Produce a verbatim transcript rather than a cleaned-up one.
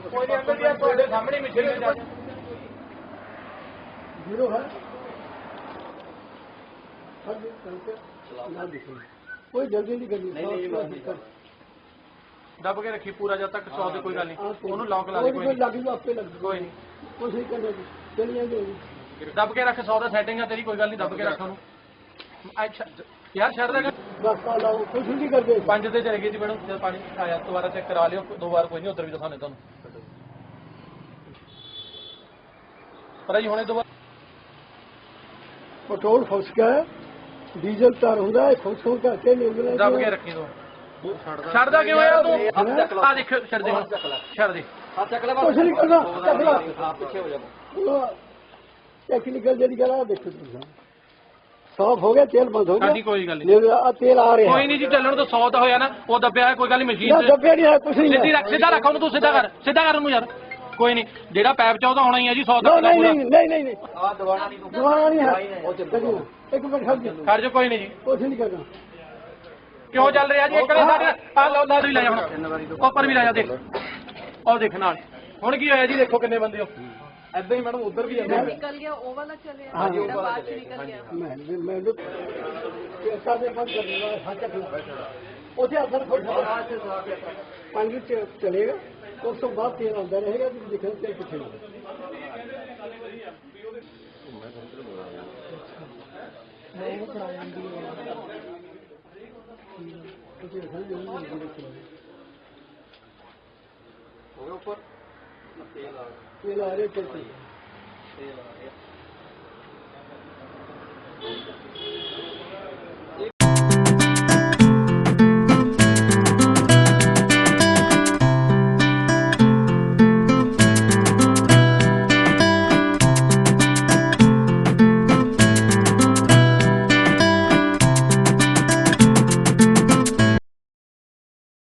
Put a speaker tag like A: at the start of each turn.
A: ਕੋਈ ਨਹੀਂ ਅੰਕਲ ਜੀ ਤੁਹਾਡੇ ਸਾਹਮਣੇ ਮਸ਼ੀਨ ਜਾ
B: जीरो है ना दिखे कोई जल्दी नहीं करनी
A: दब के रखी पूरा जब तक सौ से कोई गल नहीं ਉਹਨੂੰ ਲੌਕ ਲਾ ਦੇ ਕੋਈ
B: लग जाओ आपे लग
A: ਕੋਈ नहीं
B: कुछ नहीं करना चलिए जाएगी
A: दब के रख सौ ਦਾ ਸੈਟਿੰਗ ਹੈ ਤੇਰੀ ਕੋਈ ਗੱਲ ਨਹੀਂ ਦਬ ਕੇ ਰੱਖ ਉਹਨੂੰ ਅੱਛਾ ਯਾਰ ਛੱਡ ਦੇ
B: बस लाओ कुछ नहीं करते
A: ਪੰਜ ਤੇ ਚਲੇ ਗਏ ਜੀ ਮੈਡਮ ਜਦ ਪਾਣੀ ਆਇਆ ਦੁਬਾਰਾ ਚੈੱਕ ਕਰਾ ਲਿਓ ਦੋ ਵਾਰ ਕੋਈ ਨਹੀਂ ਉਧਰ ਵੀ ਦਿਖਾਣੇ ਤੁਹਾਨੂੰ ਪਰ ਜੀ ਹੁਣੇ ਦੁਬਾਰਾ
B: पेट्रोल फस का है डीजल तार होता है फस हो करके नहीं
A: दब के रखी दो ਛੱਡਦਾ ਕਿਉਂ ਆ ਤੂੰ ਆ ਦੇਖ ਛੱਡ ਦੇ ਛੱਡ ਦੇ
B: हाँ चक ले कुछ नहीं करना चक ला हां पीछे हो जा टेक्निकल जड़ी गला देखो तुम साफ हो गया तेल बंद हो गया
A: ਹਾਂਜੀ ਕੋਈ ਗੱਲ ਨਹੀਂ
B: तेल आ रहा है
A: ਕੋਈ ਨਹੀਂ ਜੀ ਚੱਲਣ ਤੋਂ ਸੌ ਤਾਂ ਹੋਇਆ ਨਾ ਉਹ ਦੱਬਿਆ ਹੈ ਕੋਈ ਗੱਲ ਨਹੀਂ ਮਸ਼ੀਨ
B: ना दबे नहीं है कुछ नहीं
A: ਸਿੱਧੀ ਰੱਖ ਸਿੱਧਾ ਰੱਖ ਉਹਨੂੰ ਤੂੰ ਸਿੱਧਾ ਕਰ ਸਿੱਧਾ ਕਰ ਉਹਨੂੰ ਯਾਰ ਕੋਈ ਨਹੀਂ ਜਿਹੜਾ ਪੈਪ ਚ ਉਹਦਾ ਹੋਣਾ ਹੀ ਹੈ ਜੀ ਸੌ ਤੱਕ ਦਾ
B: नहीं
A: ਪੂਰਾ
B: नहीं नहीं नहीं नहीं हां दबाना नहीं दबाना नहीं है एक मिनट खड़ जा
A: ਖੜ ਜਾ ਕੋਈ ਨਹੀਂ ਜੀ
B: कुछ नहीं करना
A: ਕਿਉਂ ਚੱਲ ਰਿਹਾ ਜੀ ਇੱਕ ਨੇ ਸਾਡੇ ਆ ਲੋ ਲਾ ਵੀ ਲੈ ਜਾ ਹੁਣ ਉੱਪਰ ਵੀ ਲੈ ਜਾ ਦੇਖ ਉਹ ਦੇਖ ਨਾਲ ਹੁਣ ਕੀ ਹੋਇਆ ਜੀ ਦੇਖੋ ਕਿੰਨੇ ਬੰਦੇ ਹੋ ਐਦਾਂ ਹੀ ਮੈਡਮ ਉਧਰ ਵੀ ਜਾਂਦੇ
C: निकल गया ओ वाला चले जेड़ा बाद च निकल गया
B: मैं मैं तो सारे बंद कर दूंगा हाथ चक ओथे असर खोल पानी च चलेगा उस तो बाद तेल आंदा रहेगा तो देखो तेल किथे
A: ऊपर
B: तेल आ रहे चलते
A: तेल आ रहा है